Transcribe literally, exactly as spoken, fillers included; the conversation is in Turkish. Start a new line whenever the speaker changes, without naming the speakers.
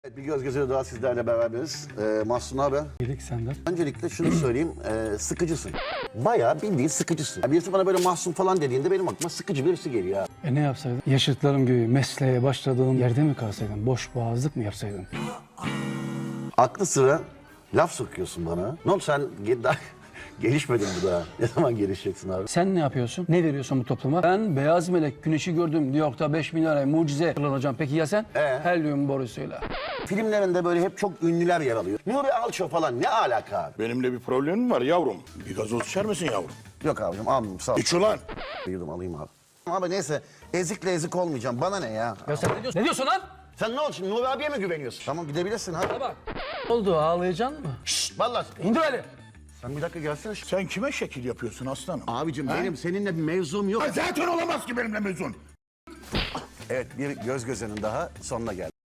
Evet, bir göz göze daha sizlerle beraberiz. Ee, Mahsun abi.
İyilik senden.
Öncelikle şunu söyleyeyim, e, sıkıcısın. Bayağı bildiğin sıkıcısın. Yani birisi bana böyle Mahsun falan dediğinde benim aklıma sıkıcı birisi geliyor ya.
E ne yapsaydın? Yaşıtlarım gibi mesleğe başladığım yerde mi kalsaydın? Boş boğazlık mı yapsaydın?
Aklı sıra laf sokuyorsun bana. Ne oldu sen ge- daha gelişmedin bu daha. Ne zaman gelişeceksin abi?
Sen ne yapıyorsun? Ne veriyorsun bu topluma? Ben beyaz melek güneşi gördüm. New York'ta beş bin liraya mucize kullanacağım. Peki ya sen?
Ee?
Helyum borusuyla.
Filmlerinde böyle hep çok ünlüler yer alıyor. Nuri Alço falan ne alaka abi?
Benimle bir problemim var yavrum. Bir gazoz içer misin yavrum?
Yok abicim almayayım sağ ol.
İç ulan.
Yudum alayım abi. Abi neyse ezikle ezik olmayacağım. Bana ne ya?
Ya sen ne diyorsun? Ne diyorsun lan?
Sen ne oldu şimdi Nuri abiye mi güveniyorsun? Tamam gidebilirsin hadi.
Bak. Ne oldu? Ağlayacaksın mı?
Şşt vallahi.
İndir eli.
Sen bir dakika gelsene.
Sen kime şekil yapıyorsun aslanım?
Abicim benim seninle bir mevzum yok.
Zaten olamaz ki benimle mezun.
Evet bir göz gözenin daha sonuna geldi.